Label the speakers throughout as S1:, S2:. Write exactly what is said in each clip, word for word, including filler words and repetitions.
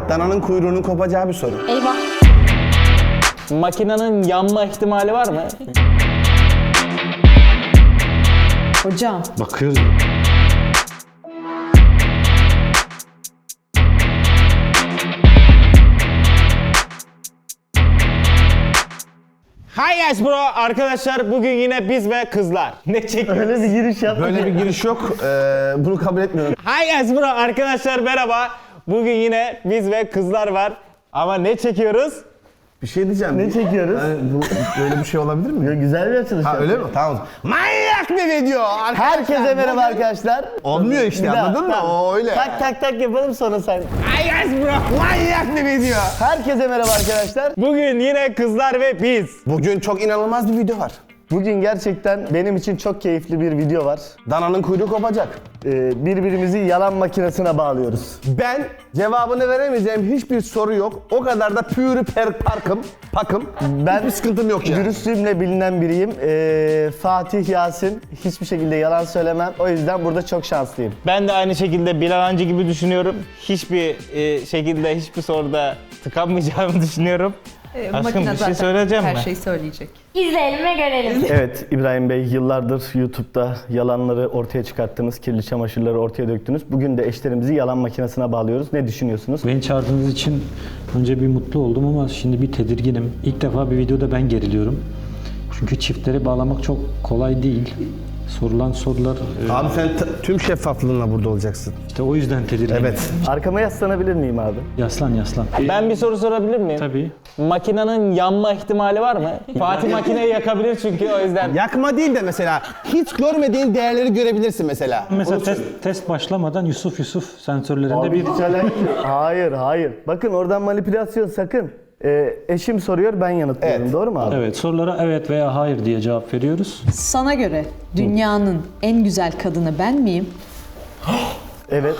S1: Dananın kuyruğunun kopacağı bir soru.
S2: Eyvah.
S3: Makinenin yanma ihtimali var mı?
S2: Hocam.
S4: Bakıyoruz.
S3: Hi guys bro, arkadaşlar bugün yine biz ve kızlar. Ne çekiyoruz?
S1: Öyle bir giriş yaptık. Böyle bir giriş yok. Ee, bunu kabul etmiyorum.
S3: Hi guys bro, arkadaşlar merhaba. Bugün yine biz ve kızlar var. Ama ne çekiyoruz?
S1: Bir şey diyeceğim.
S5: Ne çekiyoruz?
S1: Yani bu, böyle bir şey olabilir mi?
S5: Ya güzel bir açılış.
S1: Ha
S5: yaptık.
S1: öyle mi? Tamam. Manyak bir video. Arkadaşlar,
S5: Herkese merhaba arkadaşlar.
S1: Olmuyor işte,
S5: Bir daha,
S1: anladın mı?
S5: tamam.
S1: O öyle.
S5: Tak tak tak yapalım sonra sen.
S1: Hi guys bro. Manyak bir video.
S5: Herkese merhaba arkadaşlar.
S3: Bugün yine kızlar ve biz.
S1: Bugün çok inanılmaz bir video var.
S5: Bugün gerçekten benim için çok keyifli bir video var.
S1: Dananın kuyruğu kopacak.
S5: Ee, birbirimizi yalan makinesine bağlıyoruz.
S1: Ben cevabını veremeyeceğim hiçbir soru yok. O kadar da pürü per parkım, pakım.
S5: Ben
S1: Hiçbir sıkıntım yok yani.
S5: dürüstlüğümle bilinen biriyim. Ee, Fatih Yasin hiçbir şekilde yalan söylemem. O yüzden burada çok şanslıyım.
S3: Ben de aynı şekilde Bilal Hancı gibi düşünüyorum. Hiçbir e, şekilde hiçbir soruda tıkanmayacağımı düşünüyorum.
S6: Ee,
S3: Aşkım,
S6: makine
S3: bir şey
S6: zaten
S3: söyleyeceğim
S6: her
S3: mi?
S6: şeyi söyleyecek.
S2: İzleyelim ve görelim.
S5: Evet İbrahim Bey, yıllardır YouTube'da yalanları ortaya çıkarttınız, kirli çamaşırları ortaya döktünüz. Bugün de eşlerimizi yalan makinesine bağlıyoruz. Ne düşünüyorsunuz?
S4: Beni çağırdığınız için önce bir mutlu oldum ama şimdi bir tedirginim. İlk defa bir videoda ben geriliyorum. Çünkü çiftleri bağlamak çok kolay değil. Sorulan sorular... e,
S1: Abi sen t- tüm şeffaflığınla burada olacaksın.
S4: işte o yüzden tedirginim.
S1: Evet.
S5: Arkama yaslanabilir miyim abi?
S4: Yaslan yaslan.
S3: Ben bir soru sorabilir miyim?
S4: Tabii.
S3: Makinenin yanma ihtimali var mı? Fatih makineyi yakabilir çünkü o yüzden.
S1: Yakma değil de mesela hiç görmediğin değerleri görebilirsin mesela.
S4: Mesela test, test başlamadan Yusuf Yusuf sensörlerinde bir...
S5: Hiç alakası yok. Hayır, hayır. Bakın oradan manipülasyon sakın. Ee, eşim soruyor, ben yanıtlıyorum.
S1: Evet.
S5: Doğru mu abi?
S4: Evet, sorulara evet veya hayır diye cevap veriyoruz.
S6: Sana göre dünyanın en güzel kadını ben miyim?
S5: Evet.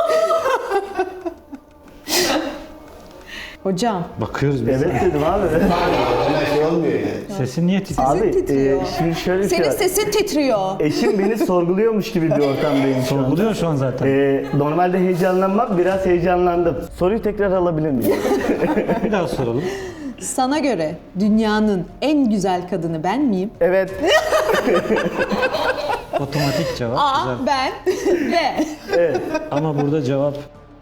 S6: Hocam.
S4: Bakıyoruz biz.
S5: Evet dedim abi.
S1: Öyle şey olmuyor yani.
S4: Sesin niye titriyor?
S5: Abi
S6: titriyor.
S5: e, şimdi şöyle bir şey
S6: Senin
S5: var.
S6: sesin titriyor.
S5: Eşim beni sorguluyormuş gibi bir ortamdayım şu an.
S4: Sorguluyor şu an zaten.
S5: Ee, normalde heyecanlanmam, biraz heyecanlandım. Soruyu tekrar alabilir miyim?
S4: Bir daha soralım.
S6: Sana göre dünyanın en güzel kadını ben miyim?
S5: Evet.
S4: Otomatik cevap.
S6: A.
S4: Güzel.
S6: Ben. B.
S4: Ama burada cevap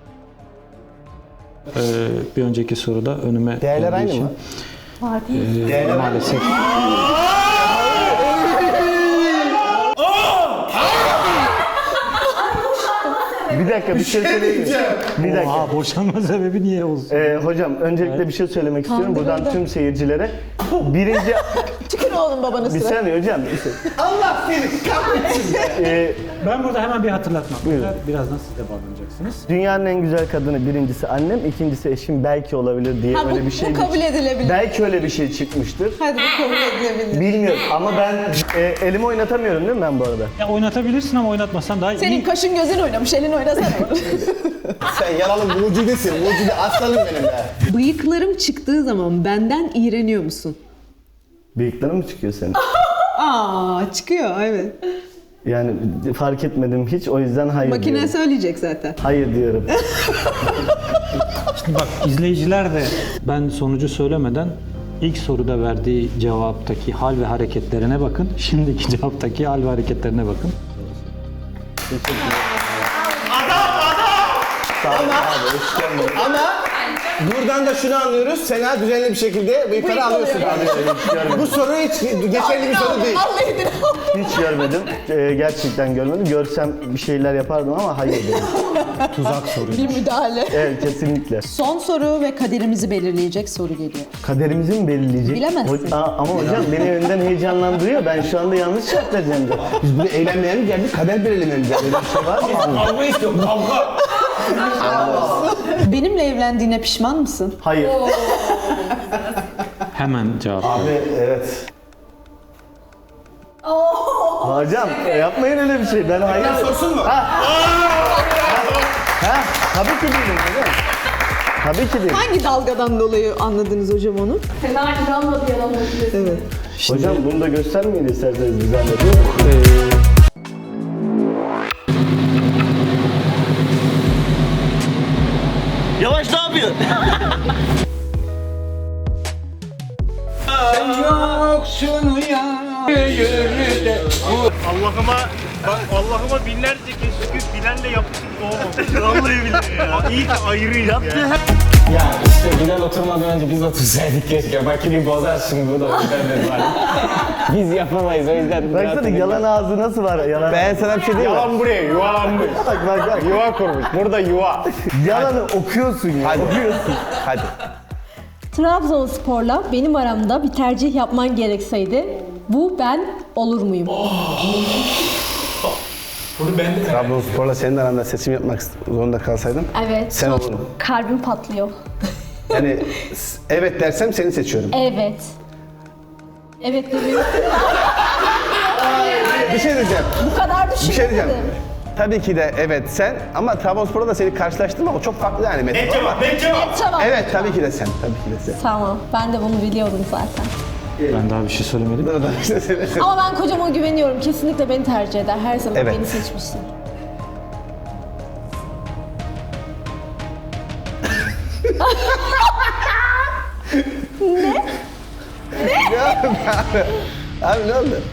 S4: e, bir önceki soruda önüme
S1: Değerler
S4: geldiği
S1: aynı
S4: için,
S1: mı?
S4: e, maalesef.
S5: Bir dakika bir şey söyleyeyim mi? Bir dakika.
S4: Aa, boşanma sebebi niye olsun?
S5: Ee, hocam öncelikle bir şey söylemek istiyorum buradan tüm seyircilere. Birinci...
S6: Tükür oğlum babanı
S5: Bir
S6: sıra.
S5: saniye hocam. Bir saniye.
S1: Allah seni kahretsin.
S5: Ee,
S4: Ben burada hemen bir hatırlatma.
S5: Buyurun.
S4: Birazdan siz de bağlanacaksınız.
S5: dünyanın en güzel kadını birincisi annem, ikincisi eşim belki olabilir diye
S6: Ha, bu,
S5: öyle bir şey.
S6: bu kabul edilebilir.
S5: Belki öyle bir şey çıkmıştır.
S6: Hadi bu kabul edilebilir.
S5: Bilmiyorum ama ben e, elimi oynatamıyorum değil mi ben bu arada?
S4: Ya oynatabilirsin ama oynatmasan daha
S6: Senin
S4: iyi.
S6: kaşın gözün oynamış, elin oynasana.
S1: Sen yalanın mucidesin. Mucide aslanım benim be.
S6: Bıyıklarım çıktığı zaman benden iğreniyor musun?
S5: Bıyıkların mı çıkıyor senin?
S6: Aa, çıkıyor evet.
S5: Yani fark etmedim hiç o yüzden hayır
S6: Makine
S5: diyorum.
S6: söyleyecek zaten.
S5: Hayır diyorum.
S4: Şimdi bak izleyiciler de ben sonucu söylemeden ilk soruda verdiği cevaptaki hal ve hareketlerine bakın. Şimdiki cevaptaki hal ve hareketlerine bakın.
S1: Ama buradan da şunu anlıyoruz. Sena düzenli bir şekilde bıyıkları alıyorsun abi. Bu soru hiç geçerli bir soru değil.
S6: Vallahi de.
S5: Hiç görmedim. Ee, gerçekten görmedim. Görsem bir şeyler yapardım ama hayır dedim.
S4: Tuzak soru.
S6: Bir müdahale.
S5: Evet kesinlikle.
S6: Son soru ve kaderimizi belirleyecek soru geliyor.
S5: Kaderimizi mi belirleyecek?
S6: Bilemezsin.
S5: Ho- Aa, ama hocam beni önden heyecanlandırıyor. Ben şu anda yanlış cevap vereceğim de.
S1: Biz buraya eğlenmeye mi geldik? Kader belirlemeye mi geldik? Öyle bir şey var mı? Kavga istiyorum, kavga.
S6: Benimle evlendiğine pişman mısın?
S5: Hayır.
S4: Hemen cevap ver.
S1: Abi evet.
S5: Hocam e, yapmayın öyle bir şey. Ben hayır.
S1: Sorsun mu?
S5: Ha, tabii ki değilim hocam. Tabii ki değil.
S6: Hangi dalgadan dolayı anladınız hocam onu?
S2: Fena inanmadı yalan
S6: Evet.
S5: Hocam bunu da göstermeyin isterseniz bir zahmet.
S7: Yavaş ne yapıyor? Allah'ıma bak Allah'ıma binlerce kez şükür Bilal'le yapışık doğmamış. Vallahi billahi ya. İyi ki ayrıyız ya.
S3: Ya işte Bilal oturmadan önce biz otursaydık keşke. Makineyi bozar şimdi bu da o yüzden dedim hani. Biz yapamayız o yüzden.
S5: Baksana yalan ağzı nasıl var? Yalan
S1: Ben sana bir şey diyeyim mi?
S7: Yalan buraya yuvalanmış.
S5: Bak bak bak.
S7: Yuva kurmuş. Burada yuva.
S5: Yalanı okuyorsun ya.
S1: Hadi.
S5: Okuyorsun.
S1: Hadi.
S8: Trabzonspor'la benim aramda bir tercih yapman gerekseydi bu ben olur muyum?
S1: Trabzonspor'la senin aranda seçim yapmak zorunda kalsaydım
S8: Evet.
S1: sen
S8: çok
S1: olurdun.
S8: Kalbim patlıyor.
S1: Yani s- evet dersem seni seçiyorum.
S8: Evet. Evet demiyorum.
S1: Bir şey diyeceğim.
S8: Bu kadar
S1: Bir şey diyeceğim.
S8: düşünmedim.
S1: Tabii ki de evet sen ama Trabzonspor'la da seni karşılaştırma o çok farklı yani Mete.
S7: Ne cevap? Ne cevap?
S8: Tamam.
S1: Evet tabii ki de sen. Tabii ki de sen.
S8: Tamam. Ben de bunu biliyordum zaten.
S4: Ben daha bir şey söylemedim.
S8: Ama ben kocama güveniyorum. Kesinlikle beni tercih eder. Her zaman
S1: Evet.
S8: beni seçmiştir.
S1: Abi ne oldu?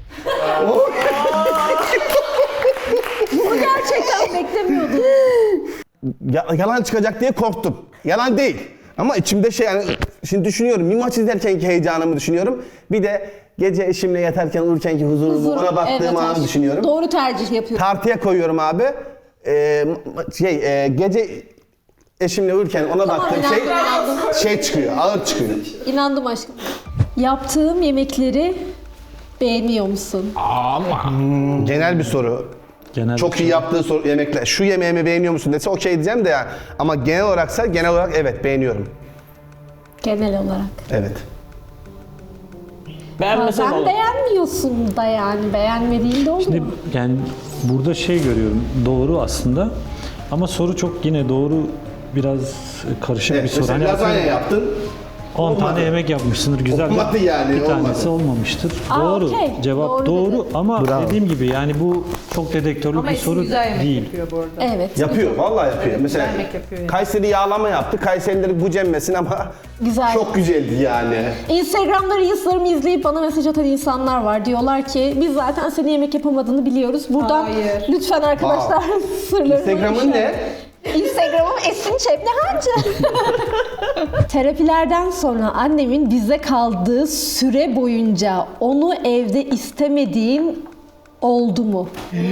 S8: Bunu gerçekten beklemiyordum.
S1: Ya, yalan çıkacak diye korktum. Yalan değil. Ama içimde şey yani şimdi düşünüyorum. Bir maç izlerkenki heyecanımı düşünüyorum. Bir de gece eşimle yatarken uyurkenki huzurumu
S8: Huzur,
S1: ona baktığım
S8: evet,
S1: anı
S8: hoş.
S1: düşünüyorum.
S8: Doğru tercih yapıyorum.
S1: Tartıya koyuyorum abi. Ee, şey e, gece eşimle uyurken ona
S8: Tamam,
S1: baktığım
S8: inandım,
S1: şey
S8: inandım.
S1: şey çıkıyor. Ağır çıkıyor.
S8: İnandım aşkım. Yaptığım yemekleri beğeniyor musun?
S1: Genel bir soru.
S4: Genel
S1: Çok iyi yaptığı soru, yemekler. Şu yemeğimi beğeniyor musun dese okey diyeceğim de ya. Ama genel olaraksa genel olarak evet beğeniyorum.
S8: Genel olarak.
S1: Evet.
S3: Beğenmesen
S8: Sen
S3: olur.
S8: beğenmiyorsun da yani. Beğenmediğin de olur
S4: Şimdi
S8: mu?
S4: yani burada şey görüyorum. Doğru aslında. Ama soru çok yine doğru biraz karışık
S1: Evet,
S4: bir soru.
S1: mesela
S4: Hani
S1: lazanya
S4: atıyorum,
S1: yaptın.
S4: on
S1: olmadı.
S4: tane yemek yapmışsındır güzel. de
S1: Olmadı yani,
S4: Bir tanesi
S1: olmadı.
S4: olmamıştır.
S8: Aa,
S4: doğru.
S8: okey,
S4: Cevap
S8: doğru
S4: doğru,
S8: dedi.
S4: ama
S1: Bravo.
S4: dediğim gibi yani bu çok dedektörlü
S6: Ama
S4: bir
S6: eski
S4: soru
S6: güzel yemek
S4: değil.
S6: yapıyor bu arada.
S8: Evet.
S1: Yapıyor, vallahi yapıyor. Mesela
S6: yemek yapıyor yani.
S1: Kayseri yağlama yaptı. Kayserileri gücenmesin ama
S8: Güzel.
S1: çok güzeldi yani.
S8: Instagram'da Reels'larımı izleyip bana mesaj atan insanlar var. Diyorlar ki biz zaten senin yemek yapamadığını biliyoruz. Buradan
S6: Hayır.
S8: lütfen arkadaşlar sırlarını...
S1: Instagram'ın ne?
S8: Instagram'ım Esin Çepnihancı. Terapilerden sonra annemin bize kaldığı süre boyunca onu evde istemediğin oldu mu?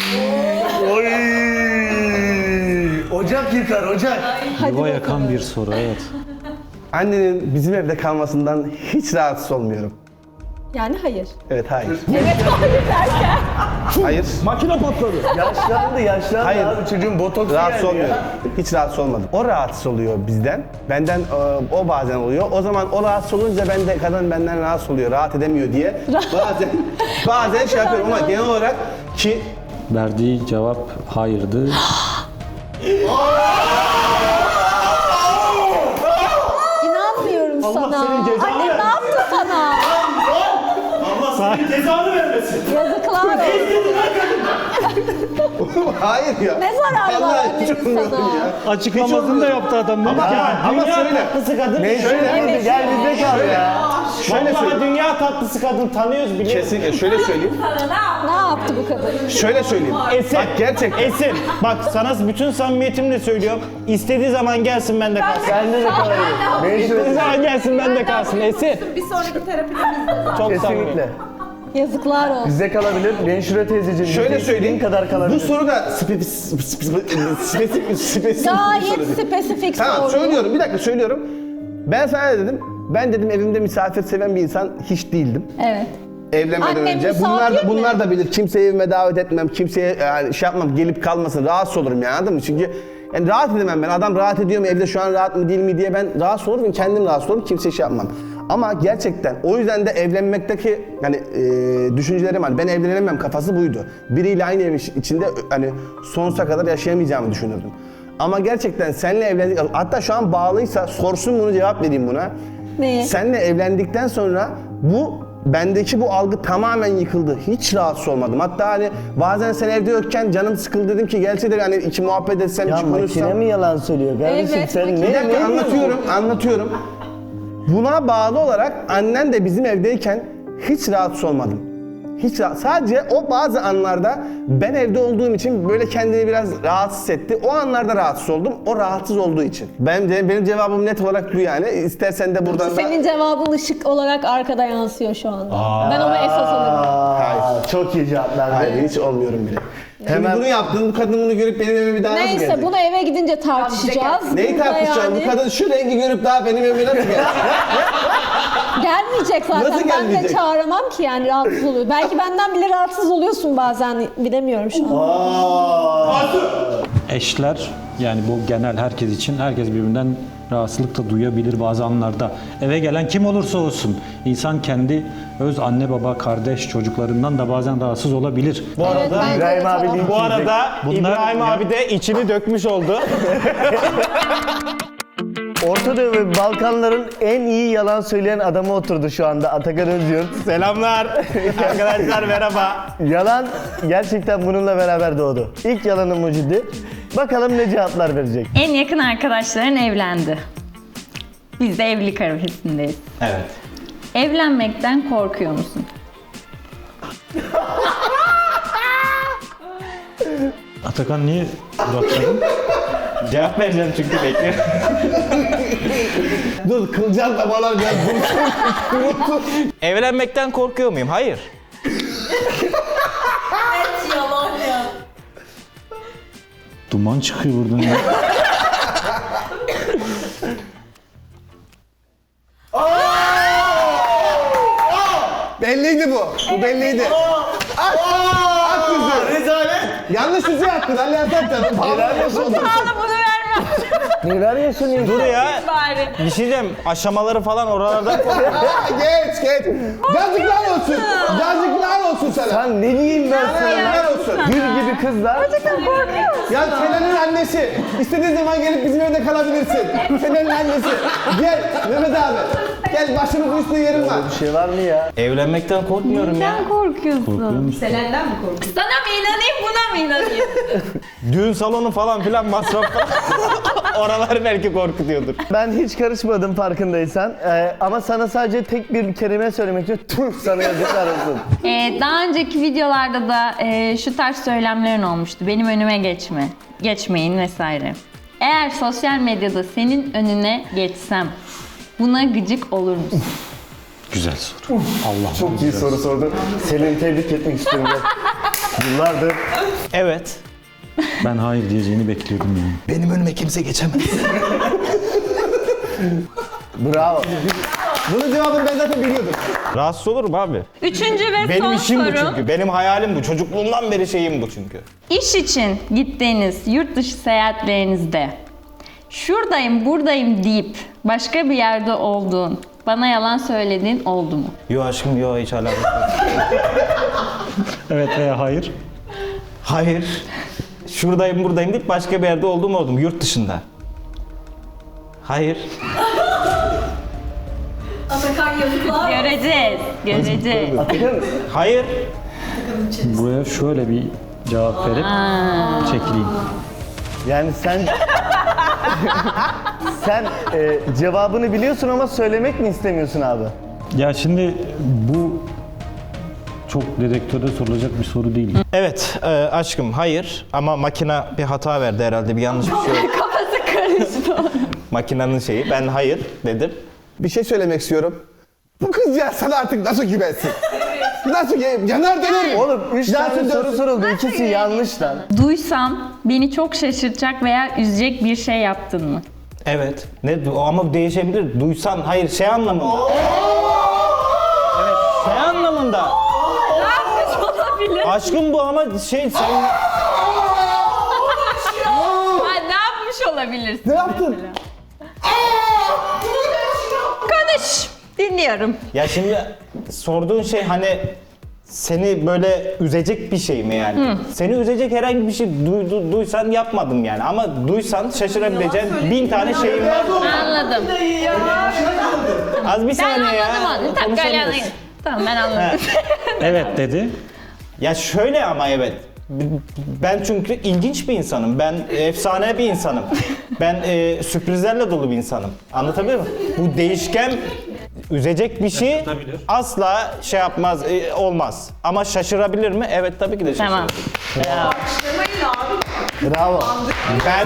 S5: Ocak yıkar ocak.
S4: Yuva yakan bir soru, evet.
S1: Annenin bizim evde kalmasından hiç rahatsız olmuyorum.
S8: Yani hayır.
S1: Evet, hayır.
S8: Evet hayır derken.
S1: Hayır.
S5: Makine patladı. Yaşlandı yaşlandı
S1: Hayır.
S5: abi çocuğun botoksu
S1: Rahatsız
S5: geldi
S1: olmuyorum.
S5: ya.
S1: Hiç rahatsız olmadım. O rahatsız oluyor bizden. Benden e, o bazen oluyor. O zaman o rahatsız olunca ben de kadın benden rahatsız oluyor. Rahat edemiyor diye. Bazen bazen şey yapıyorum ama genel olarak ki
S4: Verdiği cevap hayırdı.
S8: İnanmıyorum sana.
S7: senin cezanı
S8: Anne ne
S7: versin.
S8: yaptı sana?
S7: Allah senin cezanı vermesin.
S8: Yazıklar olsun.
S1: hayır ya.
S8: Ne zararı var
S1: Vallahi
S8: annemin
S1: hiç olmuyor
S8: sana?
S1: ya.
S4: Açıklamasını da yaptı adam. Ne
S1: Ama, ama şöyle.
S3: kadın.
S5: Ne şöyle gel bizde kal ya.
S1: Şöyle söyleyeyim.
S3: dünya tatlısı kadın tanıyoruz biliyoruz.
S1: Kesinlikle şöyle söyleyeyim.
S8: Ne yaptı bu kadın?
S1: Şöyle söyleyeyim.
S3: Esin.
S1: Bak gerçekten.
S3: Esin. Bak sana bütün samimiyetimle söylüyorum. İstediği zaman gelsin bende kalsın.
S5: Bende de kalır. Ne
S3: İstediği zaman gelsin bende kalsın. Esin.
S6: Bir sonraki terapimizde zaten.
S3: Çok samimi.
S5: Kesinlikle.
S8: Yazıklar olsun.
S5: Bizde kalabilir. Menşure teyzeciğim.
S1: Şöyle
S5: bizde
S1: söyleyeyim.
S5: istediğin kadar kalabilir.
S1: Bu soru da spe- spe- spe- spesifik spesifik bir soru
S8: Gayet
S1: değil.
S8: spesifik
S1: Tamam
S8: soru.
S1: söylüyorum bir dakika söylüyorum. Ben sana ne dedim? Ben dedim evimde misafir seven bir insan hiç değildim.
S8: Evet.
S1: Evlenmeden
S8: Annem
S1: önce.
S8: misafir
S1: Bunlar da
S8: mi?
S1: bunlar da bilir. Kimseyi evime davet etmem. Kimseye yani şey yapmam. Gelip kalmasın. Rahatsız olurum yani anladın mı? Çünkü yani rahat edemem ben. Adam rahat ediyor mu? Evde şu an rahat mı değil mi diye ben rahatsız olurum. Kendim rahatsız olurum. Kimseye şey yapmam. Ama gerçekten o yüzden de evlenmekteki yani e, düşüncelerim hani ben evlenemem kafası buydu. Biriyle aynı evin içinde hani sonsuza kadar yaşayamayacağımı düşünürdüm. Ama gerçekten seninle evlendik hatta şu an bağlıysa sorsun bunu cevap vereyim buna.
S8: Neye?
S1: Seninle evlendikten sonra bu bendeki bu algı tamamen yıkıldı. Hiç rahatsız olmadım. Hatta hani bazen sen evde yokken canım sıkıldı dedim ki gelse de hani iki muhabbet etsem,
S5: Ya
S1: iki
S5: makine
S1: konuşsam.
S5: mi yalan söylüyor kardeşim
S8: Evet,
S5: sen
S8: makine.
S5: ne
S1: Bir dakika
S5: ne
S1: anlatıyorum, anlatıyorum. Buna bağlı olarak annen de bizim evdeyken hiç rahatsız olmadım. Hiç rahat- sadece o bazı anlarda ben evde olduğum için böyle kendini biraz rahatsız etti. O anlarda rahatsız oldum. O rahatsız olduğu için. Benim de, benim cevabım net olarak bu yani. İstersen de buradan da...
S8: Senin cevabın ışık olarak arkada yansıyor şu anda. Ben onu esas alırım.
S5: Aa, çok iyi cevaplar.
S1: Hayır, hiç olmuyorum bile.
S5: Hemen-
S1: Şimdi bunu yaptın, bu kadın bunu görüp benim evime bir daha nasıl
S8: Neyse
S1: gelecek?
S8: bunu eve gidince tartışacağız.
S1: Neyi
S8: Burada
S1: tartışacağım?
S8: yani
S1: Bu kadın şu rengi görüp daha benim evime nasıl gelecek?
S8: Gelmeyecek zaten.
S1: Nasıl
S8: Ben de
S1: gelmeyecek?
S8: çağıramam ki yani rahatsız oluyor. Belki benden bile rahatsız oluyorsun bazen. Bilemiyorum şu an.
S4: Eşler, yani bu genel herkes için, herkes birbirinden rahatsızlık da duyabilir bazı anlarda. Eve gelen kim olursa olsun, insan kendi öz anne baba, kardeş, çocuklarından da bazen rahatsız olabilir.
S5: Bu arada
S8: Evet, bence
S5: İbrahim
S8: de
S5: abi
S8: tamam.
S5: linç
S3: Bu
S5: yiyecek.
S3: arada
S4: Bunlar-
S3: İbrahim
S4: ya-
S3: abi de içini dökmüş oldu.
S5: Orta Doğu ve Balkanların en iyi yalan söyleyen adamı oturdu şu anda Atakan Özyurt.
S3: Selamlar. Arkadaşlar merhaba.
S5: Yalan gerçekten bununla beraber doğdu. İlk yalanı Mucidi. Bakalım ne cevaplar verecek.
S2: En yakın arkadaşların evlendi. Biz de evlilik arifesindeyiz.
S3: Evet.
S2: Evlenmekten korkuyor musun?
S4: Atakan niye duraksladın?
S3: Cevap vereceğim çünkü bekliyorum.
S1: Dur, kılcal damarlar biraz dursun.
S3: Evlenmekten korkuyor muyum? Hayır.
S4: Duman çıkıyor buradan ya.
S1: Belliydi bu. Bu belliydi. At! At yüzü. Rezalet. Yanlış yüzü attın. Ali Atat da. Neler
S2: Bunu vermem
S5: Neler yaşanıyor?
S3: Dur ya.
S2: bari.
S3: Bir şey diyeceğim. Aşamaları falan oralardan korkuyorum.
S1: Geç geç. Yazıklar olsun. Yazıklar olsun sana.
S5: Sen ne diyeyim ben sana?
S1: Yazıklar olsun.
S5: Gül gibi kızlar.
S1: Ya Selen'in annesi. İstediğin zaman gelip bizim evde kalabilirsin. Selen'in annesi. Gel Mehmet abi. Gel başımızın üstünde yerin var.
S5: Bir şey var mı ya?
S3: Evlenmekten korkmuyorum ya.
S2: Neden korkuyorsun?
S4: Korkuyor musun?
S6: Selenden mi korkuyorsun?
S2: Sana mı inanayım buna mı inanayım?
S3: Düğün salonu falan filan masraf falan. Oralar belki korkutuyordur.
S5: Ben hiç karışmadım farkındaysan. Ee, ama sana sadece tek bir kelime söylemek istiyorum. Tüh sana yazıklar olsun.
S2: Ee, daha önceki videolarda da e, şu tarz söylemlerin olmuştu. Benim önüme geçme, geçmeyin vesaire. Eğer sosyal medyada senin önüne geçsem buna gıcık olur musun?
S4: Güzel soru. Allah
S5: Çok iyi soru sordun. Seni tebrik etmek istiyorum. ben. Yıllardır.
S3: Evet.
S4: Ben hayır diyeceğini bekliyordum yani.
S3: Benim önüme kimse geçemez.
S5: Bravo.
S1: Bunun cevabını ben zaten biliyordum.
S3: Rahatsız olurum abi.
S2: Üçüncü ve
S3: Benim
S2: son
S3: işim bu
S2: sorum.
S3: çünkü. Benim hayalim bu. Çocukluğumdan beri şeyim bu çünkü.
S2: İş için gittiğiniz yurt dışı seyahatlerinizde şuradayım buradayım deyip başka bir yerde olduğun, bana yalan söylediğin oldu mu?
S3: Yo aşkım yo hiç alakası yok.
S4: Evet veya hayır.
S3: Hayır. Şuradayım buradayım deyip başka bir yerde olduğum oldum. Yurt dışında. Hayır.
S2: Göreceğiz, göreceğiz.
S3: Hayır.
S4: Buraya şöyle bir cevap verip çekileyim.
S5: Yani sen... sen e, cevabını biliyorsun ama söylemek mi istemiyorsun abi?
S4: Ya şimdi bu çok dedektöre sorulacak bir soru değil.
S3: Evet e, aşkım hayır ama makine bir hata verdi herhalde bir yanlış bir şey oldu.
S2: Kafası karıştı.
S3: Makinenin şeyi ben hayır dedim.
S1: Bir şey söylemek istiyorum. Bu kız ya sana artık nasıl güvensin? Nasıl ya- yanar döner mi?
S5: Oğlum üç
S1: Yansın
S5: tane soru
S1: dönsün.
S5: soruldu. İkisi yanlış lan.
S2: Duysam beni çok şaşırtacak veya üzecek bir şey yaptın mı?
S3: Evet. Ne du- ama değişebilir. Duysan hayır şey anlamında. Evet şey anlamında.
S2: Olabilir.
S3: Aşkım bu ama şey sen
S2: Ha, ne yapmış olabilirsin?
S1: Ne yaptın?
S2: Konuş. Dinliyorum.
S3: ya şimdi sorduğun şey hani seni böyle üzecek bir şey mi yani? Seni üzecek herhangi bir şey duydu, duysan yapmadım yani ama duysan şaşırabileceğin bin tane şeyim var.
S2: Anladım.
S3: Az bir
S2: Ben
S3: saniye ya.
S2: anladım onu. Tamam,
S3: konuşamıyoruz.
S2: gel, tamam ben anladım.
S4: Evet dedi.
S3: Ya şöyle ama evet. Ben çünkü ilginç bir insanım. Ben efsane bir insanım. Ben e, sürprizlerle dolu bir insanım. Anlatabiliyor muyum? Bu değişken üzecek bir şey
S4: Şaşırtabilir.
S3: asla şey yapmaz, e, olmaz. Ama şaşırabilir mi? Evet tabii ki de şaşırır.
S2: Tamam.
S5: Bravo.
S3: Ben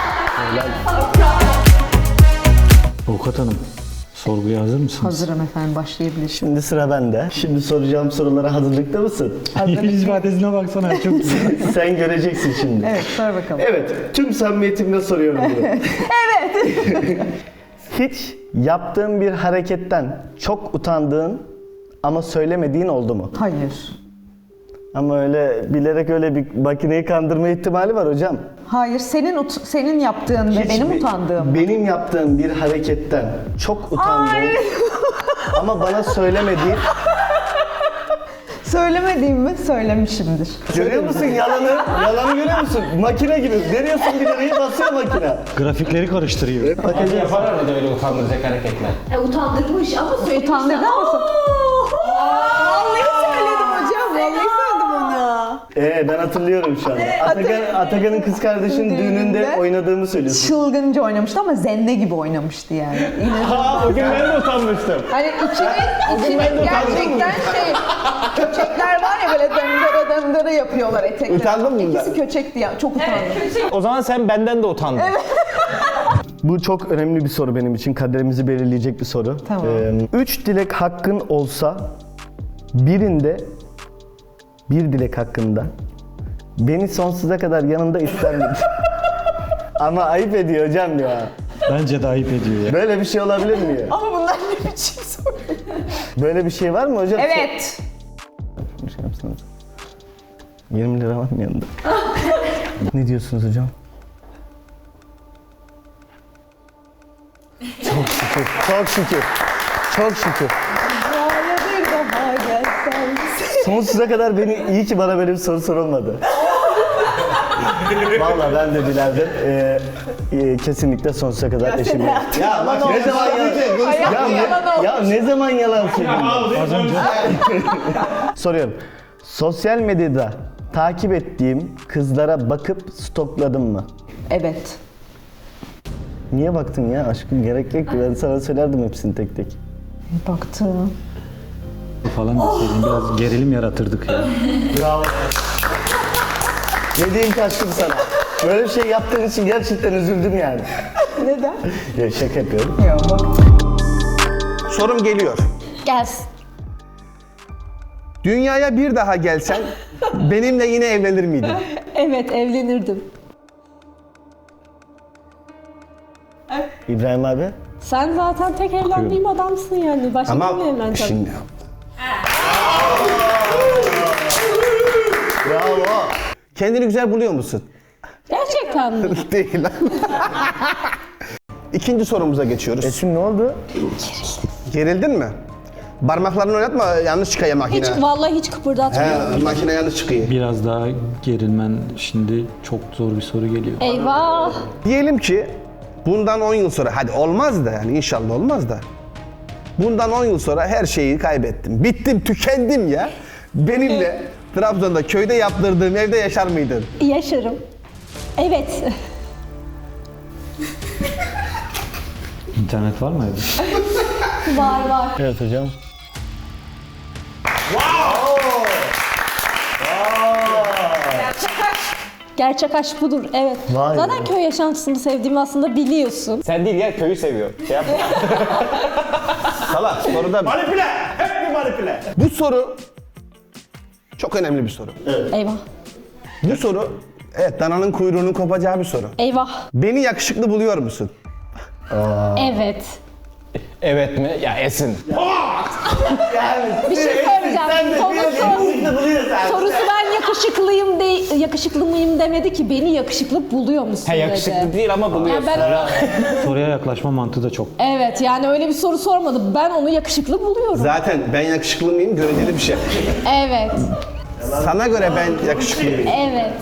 S4: Avukat hanım, sorguya hazır mısınız?
S6: Hazırım efendim, başlayabilir.
S5: Şimdi sıra bende. Şimdi soracağım sorulara hazırlıkta mısın?
S4: Yüz ifadesine baksana, çok güzel.
S5: Sen göreceksin şimdi.
S6: Evet, sor bakalım.
S5: Evet, tüm samimiyetimle soruyorum bunu. Evet. Hiç yaptığın bir hareketten çok utandığın ama söylemediğin oldu mu?
S6: Hayır.
S5: Ama öyle bilerek öyle bir makineyi kandırma ihtimali var hocam.
S6: Hayır, senin ut- senin yaptığın ve
S5: Hiç
S6: benim
S5: bi-
S6: utandığım.
S5: Benim yaptığım bir hareketten çok utandığın ama bana söylemediğin.
S6: Söylemediğim mi? Söylemişimdir.
S5: Görüyor musun yalanı? Yalanı görüyor musun? Makine gibi. Veriyorsun bir lirayı basıyor makine.
S4: Grafikleri karıştırıyor.
S5: Bakacağız.
S3: yapar arada öyle utandıracak hareketler.
S8: E, utandırmış ama söylemiş.
S6: Utandırdın mısın? Vallahi söyledim hocam. Vallahi söyledim onu.
S5: Ee ben hatırlıyorum şu anda. Atakan, Atakan'ın kız kardeşinin düğününde
S6: Düğününde
S5: oynadığımı söylüyorsun.
S6: Çılgınca oynamıştı ama zenne gibi oynamıştı yani.
S3: Aa, o gün ben de utanmıştım.
S6: Hani içinin, içinin gerçekten şey, köçekler var ya böyle döndere döndere yapıyorlar etekler.
S1: Utandın mı bundan?
S6: İkisi köçekti ya, çok utandım.
S3: O zaman sen benden de utandın.
S5: Bu çok önemli bir soru benim için. Kaderimizi belirleyecek bir soru.
S6: Tamam.
S5: Ee, üç dilek hakkın olsa birinde bir dilek hakkında beni sonsuza kadar yanında ister miydin? Ama ayıp ediyor hocam ya.
S4: Bence de ayıp ediyor ya.
S5: Böyle bir şey olabilir mi ya?
S6: Ama bunlar ne biçim soru?
S5: Böyle bir şey var mı hocam?
S6: Evet.
S5: Bir şey yapsanız. yirmi lira var mı yanında? Ne diyorsunuz hocam? Çok şükür, çok şükür, çok şükür.
S6: Böyle bir daha gelsen.
S5: Sonsuza kadar beni iyi ki bana böyle bir soru sorulmadı. Vallahi ben de dilerdim. Ee, e, kesinlikle sonsuza kadar eşimi. Ya bak ne zaman yalan? Ya, ne, ya ne zaman yalan söylüyorsun?
S4: Az önce
S5: Soruyorum. Sosyal medyada takip ettiğim kızlara bakıp stokladım mı?
S6: Evet.
S5: Niye baktın ya aşkım? Gerek yok ki. Ben sana söylerdim hepsini tek tek.
S6: Baktım.
S4: falan deseydin biraz gerilim yaratırdık ya.
S5: Bravo. Ne diyeyim ki aşkım sana? Böyle bir şey yaptığın için gerçekten üzüldüm yani.
S6: Neden?
S5: Ya şaka yapıyorum.
S6: Ya bak.
S1: Sorum geliyor.
S8: Gelsin.
S1: Dünyaya bir daha gelsen benimle yine evlenir miydin?
S8: Evet, evlenirdim.
S5: İbrahim abi.
S8: Sen zaten tek evlendiğim adamsın yani. Başka
S1: Ama
S8: kimle evleneceğim?
S1: şimdi
S5: Bravo.
S1: kendini güzel buluyor musun?
S8: Gerçekten mi?
S1: Değil lan. İkinci sorumuza geçiyoruz.
S5: Esin ne oldu?
S1: Gerildin mi? Parmaklarını oynatma, yanlış çıkıyor makine.
S8: Hiç, vallahi hiç kıpırdatmıyorum.
S1: He, makine yanlış çıkıyor.
S4: Biraz daha gerilmen şimdi çok zor bir soru geliyor.
S8: Eyvah.
S1: Diyelim ki bundan on yıl sonra, hadi olmaz da yani inşallah olmaz da. Bundan on yıl sonra her şeyi kaybettim. Bittim, tükendim ya. Benimle Trabzon'da köyde yaptırdığım evde yaşar mıydın?
S8: Yaşarım. Evet.
S4: İnternet var mı evde?
S8: Var var.
S5: Evet hocam.
S8: Gerçek aşk budur. Evet.
S5: Vay
S8: Zaten
S5: be.
S8: köy yaşantısını sevdiğimi aslında biliyorsun.
S3: Sen değil ya köyü seviyor. Şey yapma.
S1: Salak, soruda
S3: manipüle! Hep bir manipüle.
S1: bu soru çok önemli bir soru.
S8: Eyvah.
S1: Bu soru, evet dananın kuyruğunun kopacağı bir soru.
S8: Eyvah.
S1: Beni yakışıklı buluyor musun?
S8: Evet.
S3: Evet mi? Ya Esin.
S8: Bir şey söyleyeceğim. Sorusu, sorusu ben yakışıklıyım de yakışıklı mıyım demedi ki, beni yakışıklı buluyor musun
S3: Ha
S8: dedi.
S3: yakışıklı değil ama
S8: Yani
S3: buluyorsun.
S8: ben,
S4: Soruya yaklaşma mantığı da çok.
S8: evet yani öyle bir soru sormadı. Ben onu yakışıklı buluyorum.
S1: Zaten ben yakışıklı mıyım göreceli bir şey.
S8: Evet.
S1: Sana göre ben yakışıklı mıyım?
S8: Evet.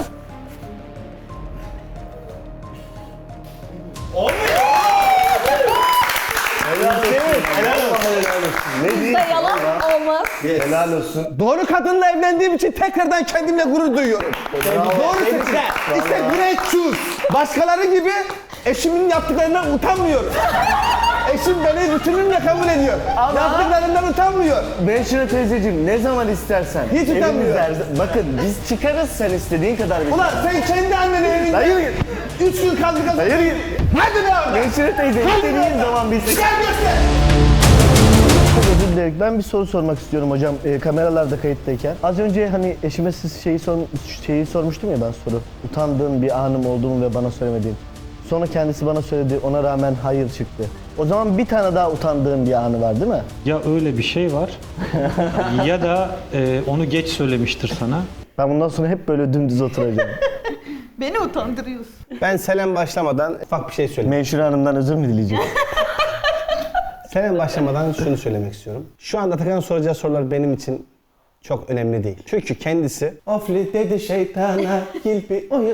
S5: Ne diyeyim?
S8: Da yalan olmaz.
S5: Helal olsun.
S1: Doğru kadınla evlendiğim için tekrardan kendimle gurur duyuyorum. Doğru seçim. İşte great choose. Başkaları gibi eşimin yaptıklarından utanmıyorum. Eşim beni bütünümle kabul ediyor. Yaptıklarından utanmıyor.
S5: Menşure teyzeciğim ne zaman istersen.
S1: Hiç
S5: Evimiz
S1: utanmıyor.
S5: her- Bakın biz çıkarız sen istediğin kadar. bir-
S1: Ulan sen kendi annenin evinde.
S5: Hayır git.
S1: Üç gün kaldı kaldı.
S5: Hayır git.
S1: Hadi be abi.
S5: Menşure teyze istediğin zaman biz.
S1: Gel göster.
S5: Çok özür dilerim. Ben bir soru sormak istiyorum hocam. E, kameralarda kayıttayken. Az önce hani eşime siz şeyi, sor, şeyi sormuştum ya ben soru. Utandığım bir anım olduğumu ve bana söylemediğim. Sonra kendisi bana söyledi. Ona rağmen hayır çıktı. O zaman bir tane daha utandığım bir anı var değil mi?
S4: Ya öyle bir şey var ya da e, onu geç söylemiştir sana.
S5: Ben bundan sonra hep böyle dümdüz oturacağım.
S6: Beni utandırıyorsun.
S1: Ben Selen başlamadan ufak bir şey söyleyeyim.
S5: Menşure Hanım'dan özür mü dileyeceğim?
S1: Selen başlamadan şunu söylemek istiyorum. Şu anda Atakan'ın soracağı sorular benim için çok önemli değil. Çünkü kendisi ofli dedi şeytana kilpi oyun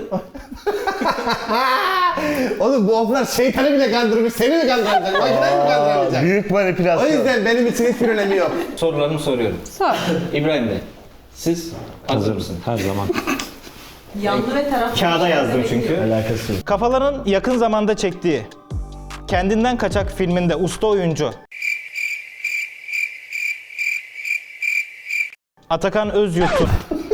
S1: Oğlum bu oflar şeytanı bile kandırmış, seni mi kandıracak? Makineyi mi kandıramayacak?
S5: Büyük manipülasyon.
S1: O yüzden benim için hiçbir önemi yok.
S9: Sorularımı soruyorum.
S2: Sor.
S9: İbrahim Bey, siz hazır mısınız?
S4: Her zaman.
S6: Yanlı ve taraf.
S3: Kağıda yazdım çünkü.
S5: Alakası yok.
S3: Kafaların yakın zamanda çektiği Kendinden Kaçak filminde usta oyuncu Atakan Özyurt'un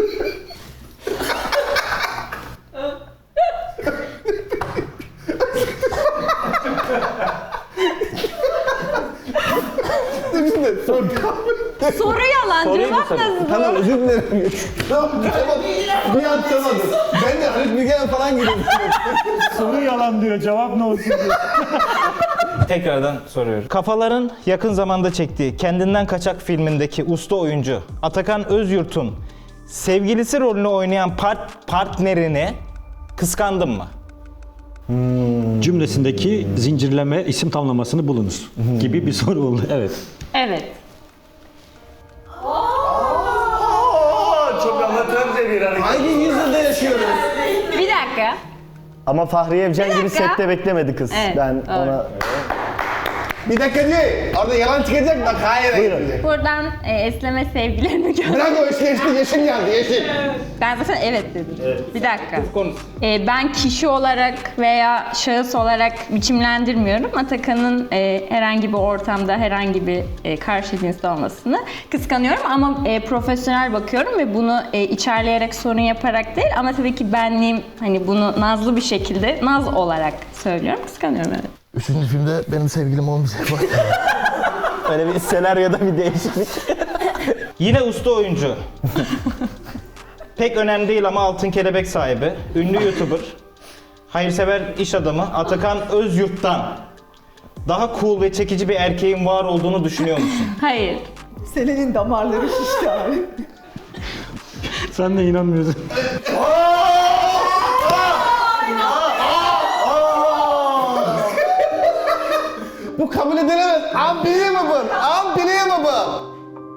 S2: Soru yalan,
S3: Soruyu mu
S2: cevap
S3: sorayım?
S2: nasıl?
S1: Tamam özür dilerim. Tamam tamam. Bir an tamam. Ben de Haluk Bilgener falan gidiyorum.
S4: Soru yalan diyor, cevap ne olsun diyor.
S3: Tekrardan soruyorum. Kafaların yakın zamanda çektiği Kendinden Kaçak filmindeki usta oyuncu Atakan Özyurt'un sevgilisi rolünü oynayan part partnerini kıskandın mı?
S4: Cümlesindeki zincirleme isim tamlamasını bulunuz gibi bir soru oldu. Evet.
S2: Evet.
S5: Çok amatörce bir hareket.
S1: Hangi yüzyılda yaşıyoruz?
S2: Bir dakika.
S5: Ama Fahriye Evcen gibi
S2: dakika.
S5: sette beklemedi kız.
S2: Evet,
S5: ben
S2: doğru.
S5: ona...
S1: Bir dakika değil. Orada yalan çıkacak bak hayır.
S5: Buyurun.
S2: Buradan e, Esleme sevgilerimi gö-
S1: Bırak o işte işte yeşil geldi yeşil.
S2: Ben zaten evet dedim. Bir dakika. E, ben kişi olarak veya şahıs olarak biçimlendirmiyorum. Atakan'ın e, herhangi bir ortamda herhangi bir e, karşı cinsli olmasını kıskanıyorum ama e, profesyonel bakıyorum ve bunu e, içerleyerek sorun yaparak değil ama tabii ki benliğim hani bunu nazlı bir şekilde naz olarak söylüyorum. Kıskanıyorum evet.
S10: Üçüncü filmde benim sevgilim olmayacak.
S3: Öyle bir senaryoda bir değişiklik. Yine usta oyuncu. Pek önemli değil ama altın kelebek sahibi, ünlü YouTuber, hayırsever iş adamı Atakan Özyurt'tan daha cool ve çekici bir erkeğin var olduğunu düşünüyor musun?
S2: Hayır.
S6: Selen'in damarları şişti abi.
S4: Sen de inanmıyorsun.
S1: Bu kabul edilemez. Unbelievable. Unbelievable.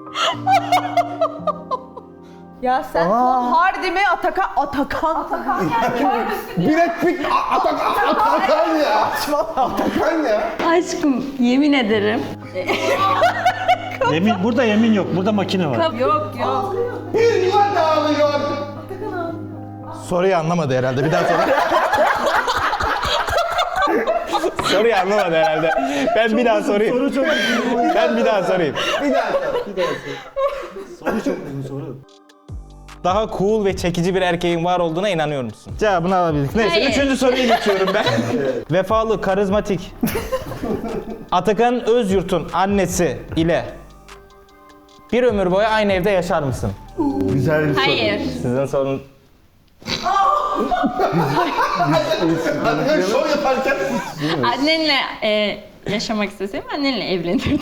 S6: Ya sen Tom Hardy mi Atakan? Atakan. Atakan
S1: Brad Pitt A- Atakan Atakan ya. Atakan ya.
S2: Aşkım yemin ederim.
S4: Yemin, burada yemin yok. Burada makine var.
S2: Yok yok.
S1: Bir yuva dağılıyor.
S3: Soruyu anlamadı herhalde. Bir daha sor. Soruyu anlamadı herhalde. Ben bir daha sorayım.
S4: Soru çok uzun.
S3: Ben bir daha sorayım.
S1: Bir daha.
S4: Soru çok uzun soru.
S3: Daha cool ve çekici bir erkeğin var olduğuna inanıyor musun? Cevabını alabildik. Neyse
S2: Hayır.
S3: üçüncü soruya geçiyorum ben. Vefalı, karizmatik. Atakan Özyurt'un annesi ile bir ömür boyu aynı evde yaşar mısın?
S5: Güzel bir soru.
S2: Hayır.
S3: Sizin sorun...
S1: Atakan şov yaparken.
S2: Annenle e, yaşamak istesem annenle evlenirdim.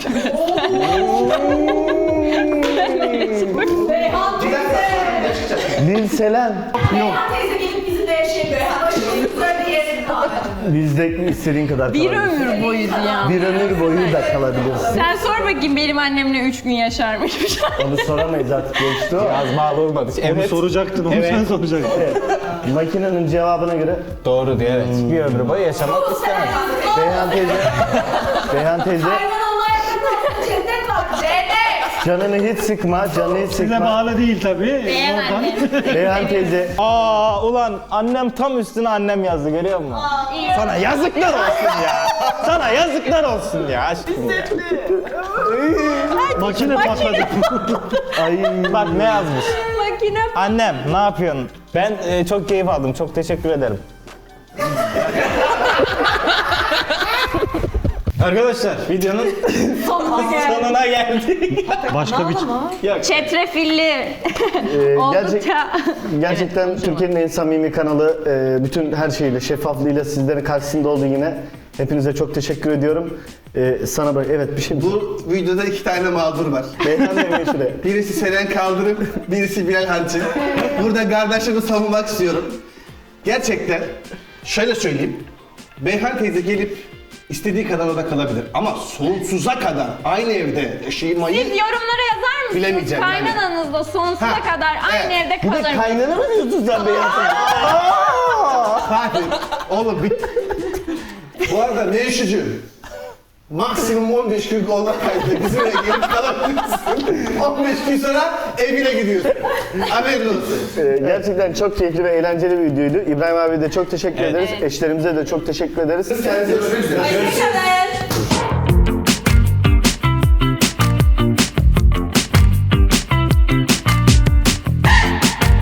S5: Lil Selen. Yok.
S6: teyze gelip bizimle yaşayamıyor. Böyle yerin abi.
S5: Bizde istediğin kadar
S2: Bir
S5: kalabilirsin.
S2: ömür boyuydu ya.
S5: Bir ömür boyu da kalabilirsin.
S2: Sen sor bakayım benim annemle üç gün yaşar mıymış?
S5: Onu soramayız artık geçti o.
S3: Az bağlı olmadı.
S4: Onu
S3: Evet.
S4: soracaktın, onu
S3: Evet.
S4: sen soracaktın.
S5: Makinenin cevabına göre
S3: Doğru diyor evet. Bir ömür boyu yaşamak istemez.
S5: Beyhan teyze. Beyhan teyze.
S6: Hayvan Allah yakında. Cennet Cennet var. Cennet.
S5: Canını hiç sıkma, canını hiç
S4: Size
S5: sıkma.
S4: bağlı değil tabii.
S2: Beğen
S4: Oradan.
S2: annem.
S5: Beyhan teyze,
S3: Aa ulan annem tam üstüne annem yazdı görüyor musun? Sana yazıklar olsun ya. Sana yazıklar olsun ya aşkım ya.
S4: Makine patladı.
S5: ay
S3: Bak ne yazmış.
S6: Makine.
S3: Annem ne yapıyorsun? Ben e, çok keyif aldım. Çok teşekkür ederim. Arkadaşlar videonun sonuna geldik.
S4: Başka bir
S2: Çetrefilli.
S5: Ee,
S2: Oldukça.
S5: gerçek, gerçekten Türkiye'nin en samimi kanalı, e, bütün her şeyle, şeffaflığıyla sizlerin karşısında oldu yine. Hepinize çok teşekkür ediyorum. Ee, sana bak, evet bir şey.
S1: Bu videoda iki tane mağdur var.
S5: Beyhan demeyin şuraya.
S1: Birisi Seren Kaldırım, birisi Bilal Hancı. Burada kardeşimi savunmak istiyorum. Gerçekten şöyle söyleyeyim. Beyhan teyze gelip istediği kadar orada kalabilir. Ama sonsuza kadar aynı evde yaşamayı...
S2: Siz yorumlara yazar mısınız?
S1: Bilemeyeceğim yani.
S2: Kaynananızla sonsuza
S1: Ha,
S2: kadar aynı
S1: evet.
S2: evde
S5: Bir de
S2: kalır mısınız?
S5: kaynana mı diyorsun sen Beyhan teyze?
S1: Fatih, oğlum bir... Bu arada ne üşücü? Maksimum on beş gün kolla kaydı. Bizim eve gelip kalabilirsin. on beş gün sonra evine gidiyorsun. Haberin olsun.
S5: Ee, gerçekten çok keyifli ve eğlenceli bir videoydu. İbrahim abi de çok teşekkür ederiz. Eşlerimize de çok teşekkür ederiz.
S1: Kendinize görüşmek üzere.
S6: Hoşçakalın.